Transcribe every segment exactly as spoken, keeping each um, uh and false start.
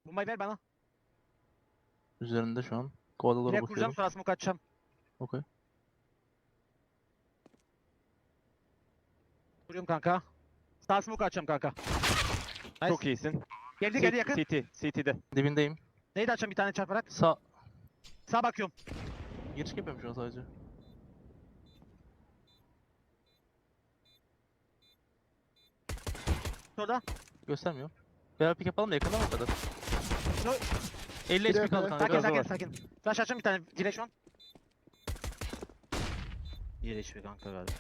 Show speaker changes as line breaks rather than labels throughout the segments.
Bombayı ver bana.
Üzerinde şu an. Kovalalara
Direkt kuracağım
bakıyorum.
sonra smoke atacağım.
Okey.
Kuruyorum kanka. Sağ smoke atacağım kanka. Nice.
Çok iyisin.
Geldi geldi yakın.
C T, C T'de.
Dibindeyim.
Neydi açacağım bir tane çarparak.
Sağ.
Sağ bakıyorum.
Giriş yapıyorum şu an sadece.
Orada.
Göstermiyor. Beraber pick yapalım da yakından o kadar.
No.
elli H P kaldı kanka.
Sakin
Biraz
sakin
var.
sakin. Flash açacağım bir tane. Direkt şu an. Bir H P kanka galiba.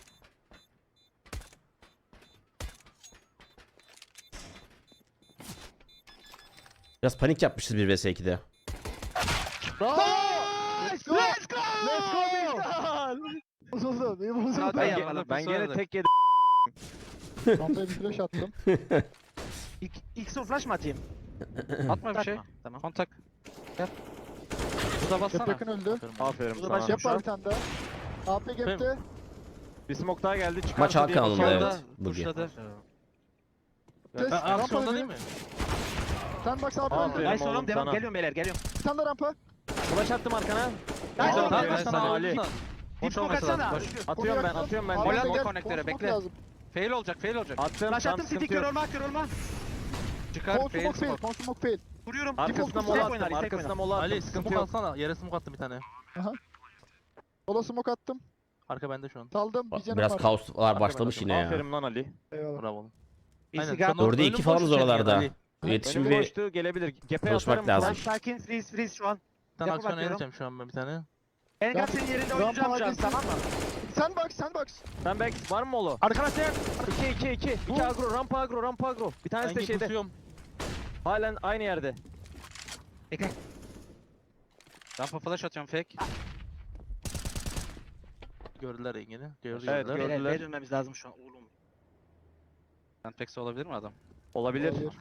Biraz panik yapmışız bir vs iki'de.
Bravo!
Let's go! Let's go!
Let's go Miktal! Bozuldu, iyi bozuldu.
Ben,
yapalım,
ge- ben
biz
gene
oynadık.
tek yedim.
Rampaya bir flash attım.
İlk, ilk son flash mı atayım?
Atma bir şey.
Atma. Tamam.
Kontak. Gel. Bu da
Gap
bassana.
yakın öldü.
Aferin
Bu da
sana.
başka-
Gap var bir tane daha. A P gap'te.
Bir smoke daha geldi. Çıkarsa
Maç
diye
Hakan'ında,
bakıyorum.
evet, bugün.
Pushladı.
Test.
Ben
Rampa
aksiyonda
öldü.
değil mi?
Sandbox A P
Aferin.
öldü.
Nice oğlum
oğlum
devam.
sana.
Geliyorum beyler geliyorum.
Bir tane de rampa.
Flash attım arkana.
Nice
Tamam,
oğlum.
tamam,
Geliyorum.
sana
Sana
Ali.
Deep
Boş
smoke
olması lazım.
atsana.
Boş. Atıyorum ben, atıyorum ben.
Abi
Gol
gel,
atma
gel.
konektöre
Smoke
bekle.
lazım.
Fail olacak, fail olacak. Attım,
Flash
tamam
attım. City
sıkıntı
kör
yok.
olma kör olma.
Çıkar,
Kon
fail
smoke fail.
smoke.
Kon smoke fail.
Vuruyorum.
Arkasına
Default
mola
tek
attım,
oynar, tek
arkasına
oynar.
mola attım.
Ali
Sıkıntı
smoke
yok.
alsana. Yere smoke attım bir tane.
Sola smoke attım.
Arka bende şu an.
Saldım. Bir canım
Biraz
var.
kaoslar başlamış yine ya.
Aferin lan Ali.
Eyvallah.
Bravo oğlum.
Birisi
Aynen,
gap.
sen
Dörde
önüm
iki falanız
boş içeri
oralarda.
gel Ali.
İletişim
Önüm
bir
boştu, gelebilir. Gepe
çalışmak
atarım.
lazım.
Flash sakin. Freeze freeze şu an.
Bir tane
Yapı
aksiyon
bakıyorum.
edeceğim şu an ben bir tane.
En gap senin yerinde oynayacağım şu an
agresif.
tamam mı?
Sandbox, sandbox.
Sen back var mı Molo?
Arkadaşlar.
iki iki iki. iki agro, rampa agro, rampa agro. Bir tanesi de
Hangi
şeyde.
kusuyorum?
Halen aynı yerde.
Bekle.
Rampa flash atıyorum fake.
Gördüler Engin'i. Gördü
Evet,
gördüler.
gördüler.
Beyler B'ye dönmemiz lazım şu an oğlum.
Sandbox'e olabilir mi adam? Olabilir.
Olabilir.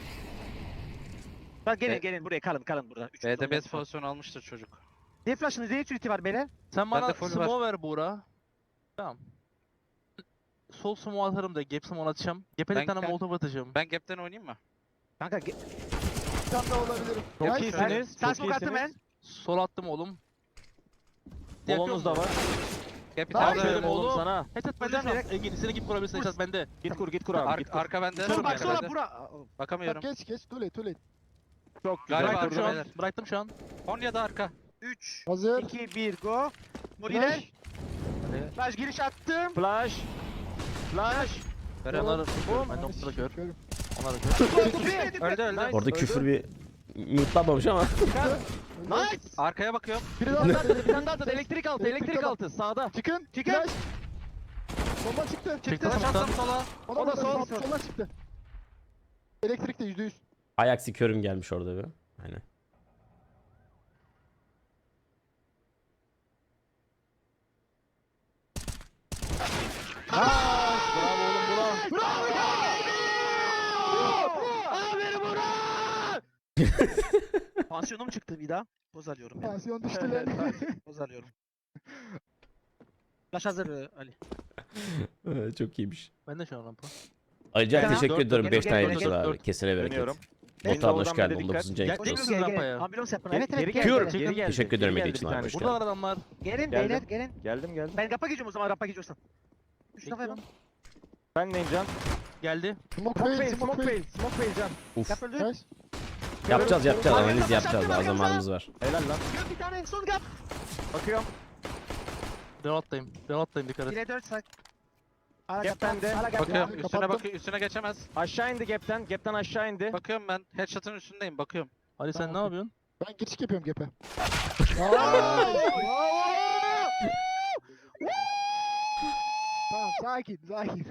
Bak gelin
E-
gelin buraya kalın kalın burada. Üç
B'de
kişi
best
olmaz.
pozisyon almıştır çocuk.
Ne flash'ınız ne utility var beyler?
Sen
Bende
bana
full
smoke ver Buğra. Tamam. Sol smoke atarım da gap smoke atacağım. Gap'e
Ben-
bir tane
ben-
molotov atacağım.
Ben gap'ten oynayayım mı?
Kanka ge-
Bir tane daha olabilirim.
Çok
Nice.
iyisiniz.
Sen
Çok
smoke attın
iyisiniz.
ben.
Sol attım oğlum.
Bolonuz da var. Gap bir
Nice.
tane
Aferin
oğlum
oğlum.
sana.
Headshot
Hocam
bende şu an.
direkt-
Engin seni git kurabilirsin. Headshot bende.
Git kur git kur abi.
Ar-
git kur. Arka bende.
Dur bak
Arka
sonra
bende.
bura.
Bak
Bakamıyorum.
geç geç. Too late, too late.
Çok
Galiba
güzel.
Bıraktım şu an.
Beyler.
Bıraktım şu an.
Konya'da arka.
üç,
Hazır.
iki, bir go. Moriler.
Flash.
Flash giriş attım.
Flash. Flash.
Onları
Bum.
ben noktada kör.
Körüm.
Onları kör.
Öldü öldü.
Orada küfür bir mutelanmamış ama.
Nice. Arkaya bakıyorum.
Biri daha
Bir
attı.
tane daha da elektrik altı,
Elektrik
elektrik
altı.
altı sağda.
Çıkın.
Çıkın.
Flash. Bomba çıktı.
Çıktı.
Flash attım sola.
O
O da sol.
Sola çıktı. Elektrikte yüzde yüz.
Ayaksi körüm gelmiş orada bir. Aynen.
Bravo oğlum bravo.
Pansiyonum çıktı bir daha. Poz alıyorum ya.
Tansiyon düştü lan.
Poz alıyorum. Flash hazır e, Ali.
Ee, Çok iyiymiş.
Ben de şu an rampa.
Ayrıca
Tamam.
teşekkür
Dört,
ediyorum
dört,
beş
gel,
tane
gel,
yıldız
gel,
abi.
dört.
Kesine bereket.
Dönüyorum.
Botan hoş
Oradan
geldin.
bir
on
dikkat.
dokuzuncu ayın
Gel-
kutlu olsun.
Geliyorsunuz
Gel
rampaya.
gel. Ambulans yapın.
Geri,
Evet evet
geri
gel.
geldi.
gel,
Geri
gel.
geldi.
Teşekkür
Geri
ederim
geldi
Melih için
bir
abi,
tane.
hoş
Burada adamlar.
Gelin
Geldim.
beyler gelin.
Geldim geldim.
Ben kapa geçiyorum o zaman rampa geçiyorsan. Üç kafa yapalım.
Ben neyim can?
Geldi.
Smoke
Smoke
fail,
fail,
smoke
smoke
fail.
fail, smoke fail can.
Uf.
Yap öldü.
Nice.
Yapacağız yapacağız.
Abi,
Analiz
kafa
yapacağız.
şartı
Daha
var,
zamanımız var.
Helal lan.
Gör bir tane son gap.
Bakıyorum.
Reload'dayım. Reload'dayım dikkat et.
bire dört sak. Ara
Gap'ten
gap,
de
ara gap.
bakıyorum.
Ya,
Üstüne
kapattım.
bakıyor. Üstüne geçemez. Aşağı indi gap'ten. Gap'ten aşağı indi. Bakıyorum ben. Headshot'ın üstündeyim. Bakıyorum.
Ali sen
Tamam,
ne
okey.
yapıyorsun?
Ben geçik yapıyorum gepe. Tamam sakin sakin.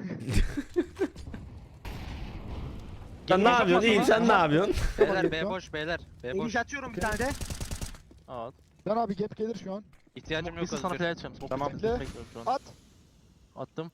Sen ne yapıyorsun? İyiyim, sen ne yapıyorsun?
Beyler B
Tamam.
boş beyler. B boş.
İniş atıyorum bir tane de.
Aa.
Lan abi gap gelir şu an.
İhtiyacım yok
Birisi sana
Özgür.
play edeceğim. Smoke
Tamam.
bekliyorum, bekliyorum şu an.
At.
Attım.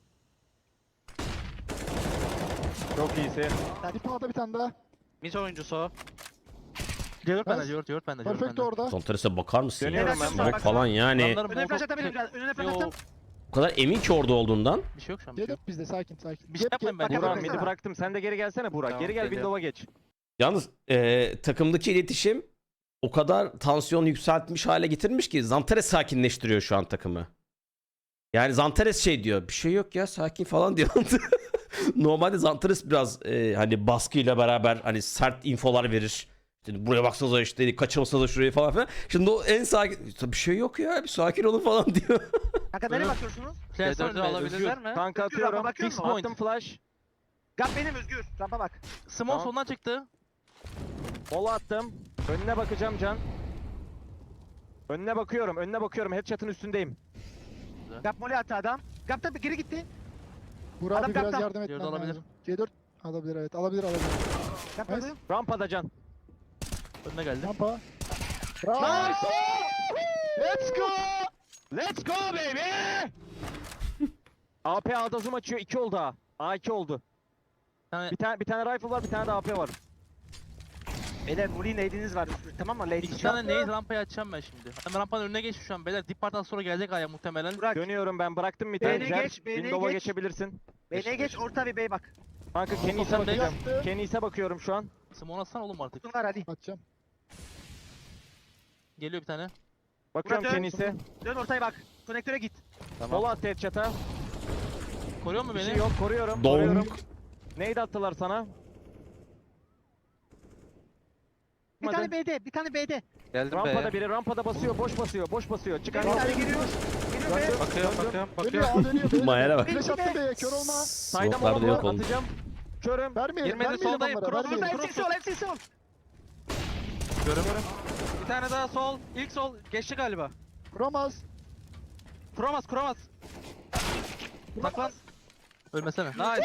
Çok iyisin.
Bir pağda bir tane daha.
Mid oyuncusu o.
C dört bende,
Nice.
C dört, C dört bende, C dört
Perfect
bende.
orada.
Son terese bakar mısın ya?
Dönüyorum
ben.
Smoke falan yani.
Adamların
Önüne flash
molotov-
atabilirim biraz. Önüne flash
Yo,
attım.
O kadar emin ki orada olduğundan.
bir şey yok şu an. Bir şey yok.
Dedik bizde sakin sakin.
Bir şey
Gap,
yapmayın
gap,
bence.
bak,
Burak
bak,
midi
bak.
bıraktım. Sen de geri gelsene Burak.
Tamam,
geri gel
geliyorum.
Windows'a geç.
Yalnız e, takımdaki iletişim o kadar tansiyon yükseltmiş hale getirmiş ki Zantares sakinleştiriyor şu an takımı. Yani Zantares şey diyor, bir şey yok ya sakin falan diyor. Normalde Zantares biraz e, hani baskıyla beraber hani sert infolar verir. İşte buraya baksanıza işte kaçırmasanıza şurayı falan filan. Şimdi o en sakin, bir şey yok ya bir sakin olun falan diyor.
Kanka nereye bakıyorsunuz?
Flash
C dördü
ölme,
alabilirler
Özgür.
mi?
Özgür,
Kanka atıyorum.
rampa bakıyor
Fix
musun?
attım flash.
Gap benim Özgür. Rampa bak.
Small
Tamam.
soldan çıktı.
Mola attım. Önüne bakacağım Can. Önüne bakıyorum. Önüne bakıyorum. Headshot'ın üstündeyim.
Gap mole attı adam. Gap da bir geri gitti.
Burak
Adam
abi biraz
kaptan.
yardım
Yerde
etmen
alabilir.
lazım. C dört alabilir evet. Alabilir alabilir.
Gap
Nice.
öldü.
Rampada Can.
Önüne geldi.
Rampa. Bravo.
Nice!
Let's go.
Let's go baby! A P A'da zoom açıyor. iki oldu ha. A iki oldu.
Bir tane
Bir tane bir tane rifle var, bir tane de A P var.
Beyler Molly'nin aidiniz var Özgür. Tamam mı? Lady
iki tane neyiz rampayı açacağım ben şimdi. Hemen rampanın önüne geç şu an beyler. Dip parttan sonra gelecek aya muhtemelen.
Bırak.
Dönüyorum ben. Bıraktım bir
B'ye
tane. Jet.
geç, B'ye
Windows'a
geç.
geçebilirsin.
B'ye geç orta bir B'ye bak.
Kanka Kenis'e
Sen de
bakacağım.
yaptı.
Kenis'e bakıyorum şu an.
Small atsana oğlum artık.
Tutun var hadi.
Atacağım.
Geliyor bir tane.
Bakıyorum
Murat,
Kenis'e.
Dön ortaya bak. Konektöre git.
Mola attı headshot'a.
Koruyor mu
Bir
beni?
şey yok. Koruyorum.
Donk.
Koruyorum. Neydi attılar sana?
Bir tane B'de, bir tane B'de.
Geldim
Rampada
be.
biri rampada basıyor. Boş basıyor. Boş basıyor. Çıkar.
Bir tane geliyor. Geliyor B'ye.
Bakıyorum bakıyorum
Dönüyor
bakıyorum.
A dönüyor. Dönüyor.
Mayara bak.
Flash attı B'ye kör olma.
Sayda
Smoke'lar da
mola
yok
var.
oldu.
Atacağım. Körüm.
Vermeyelim.
Girmedi,
Vermeyelim
soldayım,
onlara.
cross,
Vermeyelim.
Burada hepsi sol, hepsi sol.
Bir tane daha sol. İlk sol. Geçti galiba.
Kuramaz.
Kuramaz kuramaz. Saklan.
Ölmesene.
Nice.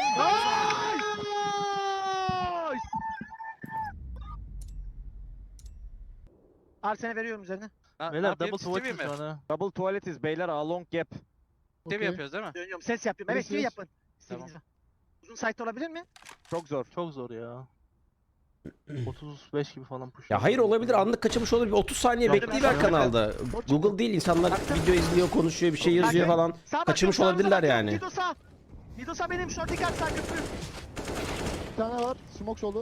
Arsene veriyorum üzerine.
Ha, ne
Beyler
yapayım?
double
Stevie
swatch
mi?
şu an ha.
Double tuvaletiz beyler. A long gap.
Stevie
Okey.
yapıyoruz değil mi?
Dönüyorum. Ses yapıyorum. Evet,
Ses,
gibi
ses.
yapın.
Tamam.
İstediğiniz Uzun site olabilir mi?
Çok zor.
Çok zor ya. otuz beş gibi falan push.
Ya hayır olabilir anlık kaçırmış olabilir. otuz saniye
Yok,
bekleyiver
yok.
kanalda. Google değil insanlar video izliyor konuşuyor bir şey yazıyor
Bakın.
falan.
Sağ
Kaçırmış
bakıyorum,
olabilirler
sağınıza
yani.
bakıyorum. Midosa. Midosa benim. Short dikkat sağ köprü.
Bir tane var. Smoke soldu.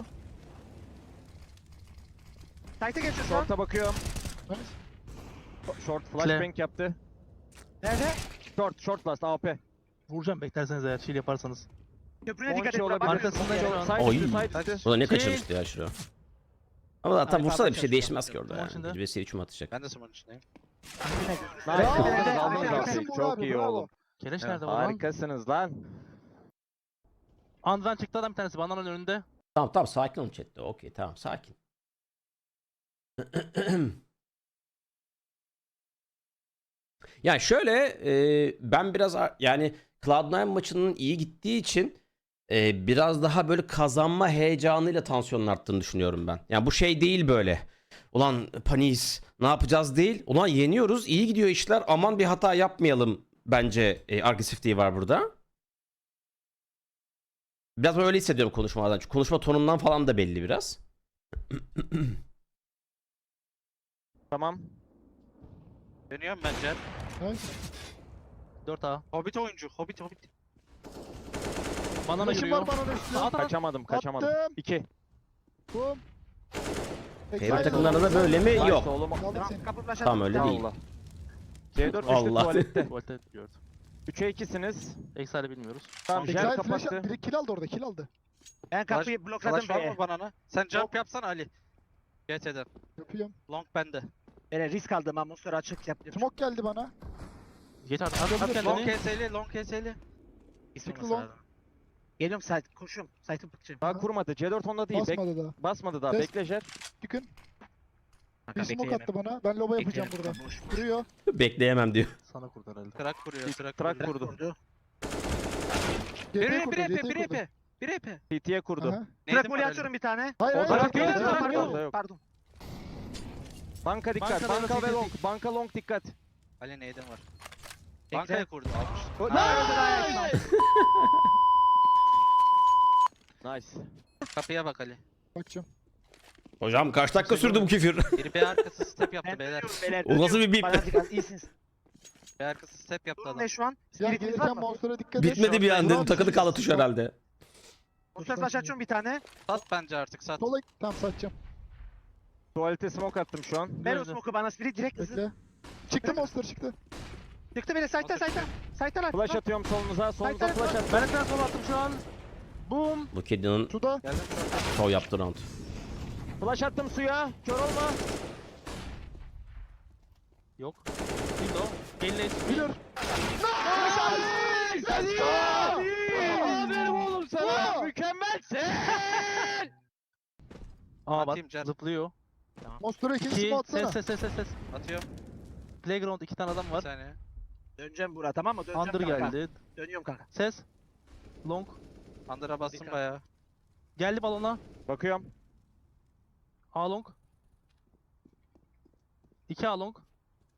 Site'e geçiyor şu an.
Short'a bakıyorum.
Nice.
Short
Kle.
flashbang yaptı.
Nerede?
Short, short last A P.
Vuracağım beklerseniz eğer chill yaparsanız.
Köprüne dikkat
Onçi
et.
olabilir.
Arkasında şu an.
Side
Oy.
üstü, side üstü.
O da ne
Şey-
kaçırmıştı ya şurada. Ama zaten
Ay,
vursa da bir
pardon,
şey değişmez ki orada
Tamam,
yani.
şimdi.
Bir vesile üçüm atacak.
Ben de smoke'un içindeyim.
Nice.
Bravo.
Aldınız,
Bravo.
aldınız
Bravo.
AP'yi.
Burak
Çok
abi,
iyi
bravo.
oğlum.
Keleş
Evet,
nerede var lan?
Harikasınız lan.
Andran çıktı adam bir tanesi bandanın önünde.
Tamam tamam sakin olun chatte. Okey tamam sakin. Yani şöyle e, ben biraz a- yani Cloud nine maçının iyi gittiği için e, biraz daha böyle kazanma heyecanıyla tansiyonun arttığını düşünüyorum ben. Yani bu şey değil böyle. Ulan paniyiz ne yapacağız değil. Ulan yeniyoruz iyi gidiyor işler aman bir hata yapmayalım bence e, agresifliği var burada. Biraz öyle hissediyorum konuşmalardan. Çünkü konuşma tonundan falan da belli biraz.
Tamam.
Dönüyorum ben Jet.
Nice.
dört A.
Hobbit oyuncu. Hobbit Hobbit.
Bandana
Flash'ım
yürüyor.
var bana da üstüne.
At at.
Kaçamadım, kaçamadım.
Attım.
İki.
Boom.
Favorite takımlarda da böyle mi?
Nice
Yok.
oğlum.
Aldım
Tamam,
seni.
kapı flash
Tamam,
attım.
öyle değil.
Allah. C dört üçlü
Allah.
tuvalette.
Tuvalete gördüm.
üçe ikisiniz.
Exile bilmiyoruz.
Tamam,
Exile
Jet
flash
kapattı.
biri kill aldı orada kill aldı.
Ben kapıyı
Flash,
blokladım
flash var
B'ye.
mı banana? Sen jump yapsana Ali. G T'den.
Yapıyorum.
Long bende.
Böyle risk aldım ben monster açık yaptım.
Smoke geldi bana.
Geç artık. At at
Long
kendini.
K S L, long K S L.
Sıkı long.
Geliyorum site. Koşuyorum. Site'ı bakacağım.
Daha kurmadı. C dört onda değil. Bek
Basmadı da.
basmadı daha.
Test.
Bekle Jet.
Çıkın.
Kanka,
Bir smoke
bekleyemem.
attı bana. Ben loba yapacağım
Bekleyelim,
burada.
boş.
Duruyor.
Bekleyemem diyor.
Sana kurdu herhalde.
Trak kuruyor, trak
Trak
kuruyor.
kurdu.
Vurdu.
G
Bir
T
EP,
kurdu.
bir EP,
G T
bir
kurdu.
EP. Bir EP.
P T'ye kurdu.
Aha.
Trak
Neydi
moli
mi
atıyorum bir tane.
Hayır
Orada
hayır.
yok,
hayır,
yok,
hayır,
yok,
hayır.
yok.
Pardon.
yok.
Pardon.
Banka dikkat.
Bankada
Banka
da
ve
T T.
long. Banka long dikkat.
Ali neyden var?
Bekle.
Bankaya kurdu almış.
Nice. Nice.
Kapıya bak Ali.
Bakacağım.
Hocam kaç dakika sürdü bu küfür?
Biri B arkası step yaptı
Ben
beyler.
dönüyorum beyler.
O nasıl bir
dönüyorum.
bip?
Bana dikkat, iyisiniz.
B arkası step yaptı
Durun
adam.
ne şu an?
Ya
Spiritiniz var
gelirken
mı?
monster'a dikkat et.
Bitmedi bir anda.
Tamam,
Takılı kaldı tuş herhalde.
Monster flash açıyorum bir tane.
Sat bence artık sat.
Sola tamam satacağım.
Tuvalete smoke attım şu an.
Ver o
Gördüm.
smoke'u bana spirit direkt hızlı.
Bekle. Çıktı monster çıktı.
Çıktı beni site'den site'den. Site'den at.
Flash atıyorum solunuza. Solunuza
Hayır, hayır,
flash at.
Ben ekran sol attım şu an. Boom.
Bu kedinin
Suda.
Geldim.
şov yaptığı round.
Flash attım suya. Kör olma.
Yok. Değil o. Gelin
Bilir.
Let's go! Aferin oğlum sana.
Aa!
Mükemmelsin.
Aa bak
Atayım Can.
zıplıyor.
Monster'a ikinci
İki.
smoke atsana.
Ses ses ses ses ses.
Atıyorum.
Playground iki tane adam
Bir
var.
saniye.
Döneceğim buraya tamam mı? Döneceğim
Under
kanka.
geldi.
Dönüyorum kanka.
Ses. Long.
Under'a bastım
Dikkat.
bayağı.
Geldi balona.
Bakıyorum.
A long. İki A long.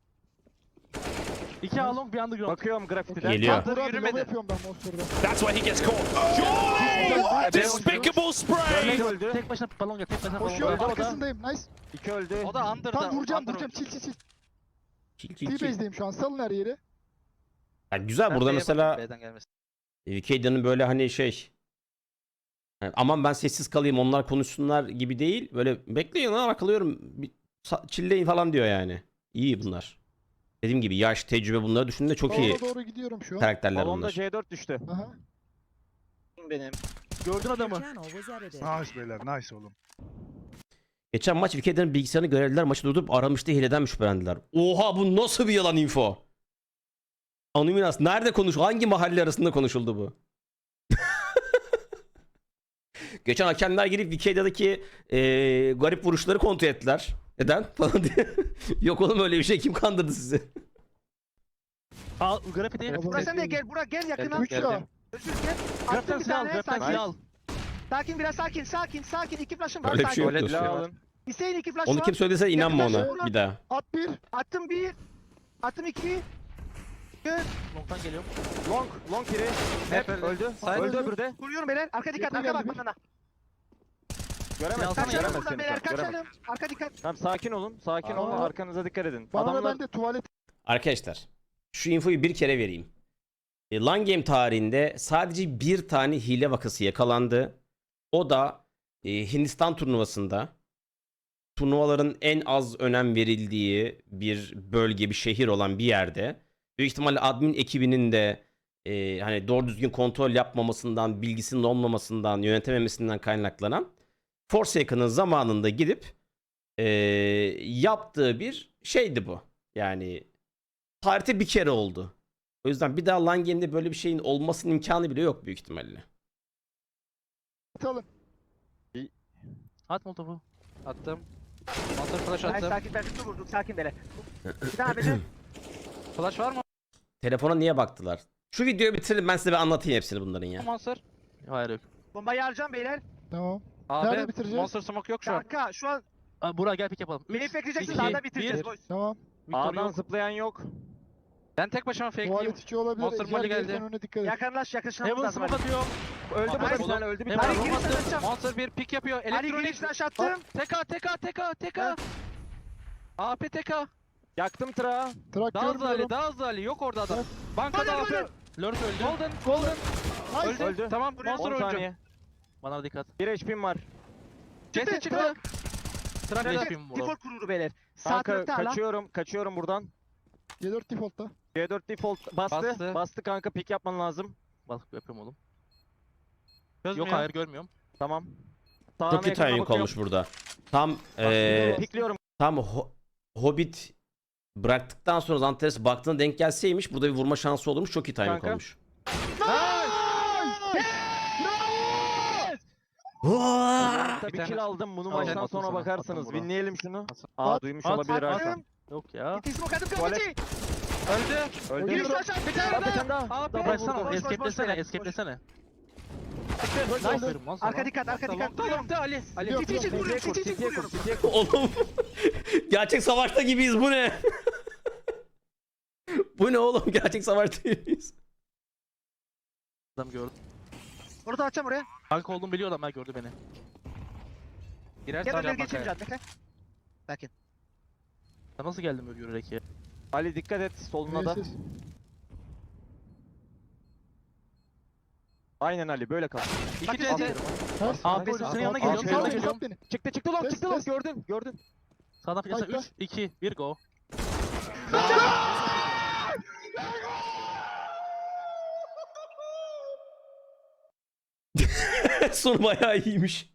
İki A long bir underground.
Bakıyorum grafitiden.
Geliyor.
Burak abi
Yürümedi.
lava yapıyorum ben monster'da.
That's where he gets caught.
What?
Despicable spray!
Örnek öldü.
Tek başına balon gel. Tek başına balon
Koşuyorum
Öldü o da.
arkasındayım. Nice.
İki öldü.
O da Under'da.
Tam vuracağım
Under
vuracağım.
oynuyor.
Çil çil çil.
Kill kill kill.
T-base'deyim şu an. Salın her yeri.
Yani güzel
Ben
burada
B'ye
mesela
bakayım, B'den gelmesin.
Vikeyda'nın böyle hani şey yani aman ben sessiz kalayım onlar konuşsunlar gibi değil. Böyle bekleyin lan arkalıyorum. Bir sa- chillleyin falan diyor yani. İyi bunlar. Dediğim gibi yaş, tecrübe bunları düşündüğünde çok iyi
Balona doğru gidiyorum şu an.
karakterler
Balonda
bunlar.
C dört düştü.
Aha.
Benim.
Gördün adamı.
Nice beyler, nice oğlum.
Geçen maç Vikeyda'nın bilgisayarını görevliler maçı durdurup aramıştı hileden şüphelendiler. Oha bu nasıl bir yalan info? Anoniminas nerede konuş? Hangi mahalle arasında konuşuldu bu? Geçen hakemler gelip Vikeyda'daki eee garip vuruşları kontrol ettiler. Neden? Falan diye. Yok oğlum öyle bir şey kim kandırdı sizi?
A grafiti.
Balon-
Burak sen de gel. Burak gel yakına.
Geldim,
Üç ya.
geldim.
Özür gel.
Graften
Attım bir
silah al.
tane.
Graften
Sakin.
silah al.
Sakin biraz sakin. Sakin sakin. İki flash'ım var.
Öyle bir şey yok
sakin.
Tuvalet
dostum.
la alın.
Hüseyin iki flash
Onu
var.
kim söylediyse inanma
Yakınlaşın
ona
buna.
bir daha.
At bir.
Attım bir. Attım iki.
Long'tan geliyorum.
Long. Long biri. Hep
öldü.
öldü.
Side
Öldü
öldü.
öbürü de.
Vuruyorum beyler. Arka dikkat.
Yakın
Arka bak
geldi bir.
bana.
Göremez.
Alsana,
Kaçalım
Göremez
buradan
seni.
beyler.
şu an, göremez.
Kaçalım. Arka dikkat.
Tamam sakin olun. Sakin olun.
Aa.
Arkanıza dikkat edin.
Bana da
Adamlar
ben de tuvalet.
Arkadaşlar şu infoyu bir kere vereyim. E, LAN Game tarihinde sadece bir tane hile vakası yakalandı. O da e, Hindistan turnuvasında turnuvaların en az önem verildiği bir bölge, bir şehir olan bir yerde. Büyük ihtimalle admin ekibinin de e, hani doğru düzgün kontrol yapmamasından, bilgisinin olmamasından, yönetememesinden kaynaklanan Forsaken'ın zamanında gidip e, yaptığı bir şeydi bu. Yani tarihte bir kere oldu. O yüzden bir daha LAN Game'de böyle bir şeyin olmasının imkanı bile yok büyük ihtimalle.
Alın.
At molotofu.
Attım. Monster flash
Hayır,
attım.
sakin. Ben bir vurduk. Sakin beyler. Bir daha beyler.
Flash var mı
Telefona niye baktılar? Şu videoyu bitirelim ben size bir anlatayım hepsini bunların ya.
Monster?
Hayır yok.
Bombayı harcayacağım beyler.
Tamam.
Abi
Nerede bitireceğiz?
Monster smoke yok şu an.
Kanka şu an
Aa, Burak gel pick yapalım.
beni
Üç,
bekleyeceksin.
iki,
Daha da bitireceğiz.
bir.
boys.
Tamam.
Victor
A'dan
yok.
zıplayan yok.
Ben tek başıma fakeleyim.
Tuvalet içi olabilir.
Monster
Ejder
Molly
gelirken
geldi.
önüne dikkat et.
Yakınlaş yaklaşmamız
Heaven
lazım.
smoke
hadi.
atıyorum.
Öldü
Abi,
burada bir
oğlum.
tane öldü bir
Hemen
tane.
Ali
bomba
girişten
attım.
atacağım.
Monster bir pick yapıyor.
Ali
Elektronik.
giriş flash attım.
Teka teka teka teka. A P teka.
Yaktım tırağı.
Trak
Daha hızlı Ali,
görmüyorum.
daha hızlı Ali. Yok orada adam. Bankada
Golden,
A P.
golden.
Lurk öldü.
Golden, golden.
Nice.
Öldü.
Tamam, Monster
on
oyuncu.
saniye.
Bana dikkat.
bir H P'm var.
Jesse çıktı.
Trak
Beyler,
yapayım bunu.
Default kurulu beyler. Sağ
Kanka
tarafta hala.
kaçıyorum. Kaçıyorum buradan.
C dört default'ta.
C dört default bastı.
Bastı.
Bastı, kanka pick yapman lazım.
Balık yapıyorum oğlum.
Çözmüyor.
Yok hayır görmüyorum.
Tamam.
Çok
Sağına
iyi
yakına
timing
bakıyorum.
olmuş burada. Tam eee
Pickliyorum.
tam Ho- Hobbit bıraktıktan sonra Zantares baktığına denk gelseymiş burada bir vurma şansı olurmuş. Çok iyi timing
Kanka.
olmuş.
Tabii
Bir tane-
kill aldım. Bunu
Tamam,
maçtan
atın
sonra
sana,
bakarsınız.
atın buna.
Winleyelim şunu.
At.
Aa duymuş
At,
olabilir
at,
Hakan.
Yok ya.
Gittiği smoke attım
Tuvalet.
kapıcı.
Öldü.
Öldü.
Giriş flash attım. Bir tane
Bir
daha.
tane daha.
Abi,
Double
Bıraksana.
vurdu.
boş, boş,
Escape'lesene.
boş, boş.
Escape'lesene.
Nice.
Aferin lan sana.
Arka dikkat arka dikkat.
Long'da
Vuruyorum.
long'da Ali. Ali.
Yok,
Çiçeği
yok,
çiçeği
yok.
vuruyorum.
City'ye kur,
Çiçeği
City'ye kur,
vuruyorum.
City'ye kur.
Oğlum gerçek savaşta gibiyiz bu ne? Bu ne oğlum gerçek savaşta gibiyiz.
Adam gördü.
Orada atacağım oraya.
Kanka olduğumu biliyor adam. Ha gördü beni.
Girersen
Gel oraya
can
geçeyim
bakaya.
can. Bekle. Sakin.
Sen nasıl geldin böyle yürüyerek ya?
Ali dikkat et soluna da.
Neyse.
Aynen Ali böyle kal.
İki C T.
Ters.
Abi,
Ters.
senin yanına
Ters.
geliyorum,
Ters.
yanına
Ters.
geliyorum.
Beni.
Çıktı çıktı long
Test,
çıktı long
test.
gördün gördün.
Sağdan fırlasana
Hayır,
üç, iki, bir go.
Sonu bayağı iyiymiş.